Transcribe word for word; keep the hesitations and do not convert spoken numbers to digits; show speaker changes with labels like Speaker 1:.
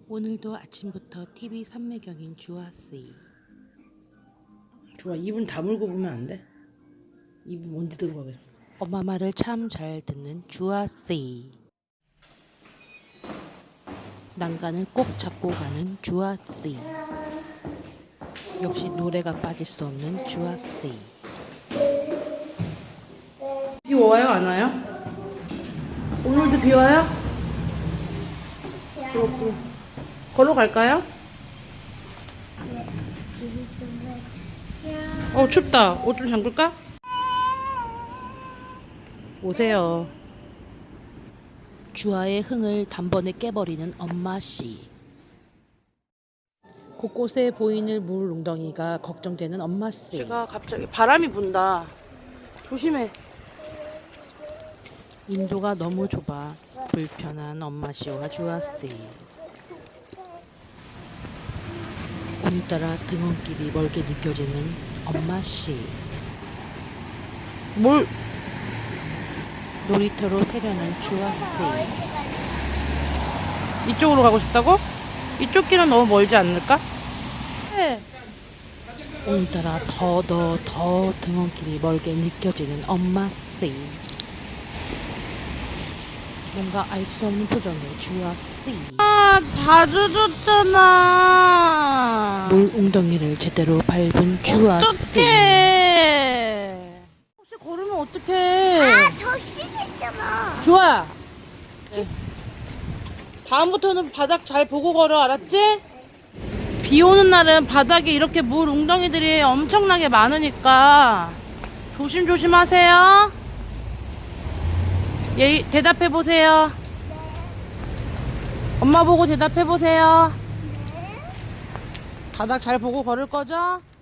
Speaker 1: 오늘도 아침부터 티비 삼매경인 주아씨.
Speaker 2: 주아 입은 다물고 보면 안 돼? 입은 언제 들어가겠어?
Speaker 1: 엄마 말을 참 잘 듣는 주아씨. 난간을 꼭 잡고 가는 주아씨. 역시 노래가 빠질 수 없는 주아씨.
Speaker 2: 비 와요? 안 와요? 오늘도 비 와요? 그렇고 걸어갈까요? 어 춥다. 옷 좀 잠글까? 오세요.
Speaker 1: 주아의 흥을 단번에 깨버리는 엄마씨. 곳곳에 보이는 물 웅덩이가 걱정되는 엄마씨.
Speaker 2: 제가 갑자기 바람이 분다. 조심해.
Speaker 1: 인도가 너무 좁아 불편한 엄마씨와 주아씨. 오늘따라 등원길이 멀게 느껴지는 엄마씨.
Speaker 2: 뭘?
Speaker 1: 놀이터로 새려는 주아씨.
Speaker 2: 이쪽으로 가고 싶다고? 이쪽 길은 너무 멀지 않을까? 네.
Speaker 1: 오늘따라 더 더 더 등원길이 멀게 느껴지는 엄마씨. 뭔가 알 수 없는 표정의 주아씨.
Speaker 2: 아, 자주 줬잖아.
Speaker 1: 물 웅덩이를 제대로 밟은 주아씨.
Speaker 2: 어떡해. 혹시 걸으면 어떡해.
Speaker 3: 아, 더 심했잖아.
Speaker 2: 주아. 네. 다음부터는 바닥 잘 보고 걸어, 알았지? 비 오는 날은 바닥에 이렇게 물 웅덩이들이 엄청나게 많으니까 조심조심 하세요. 예, 대답해 보세요. 엄마 보고 대답해 보세요. 바닥 잘 보고 걸을 거죠?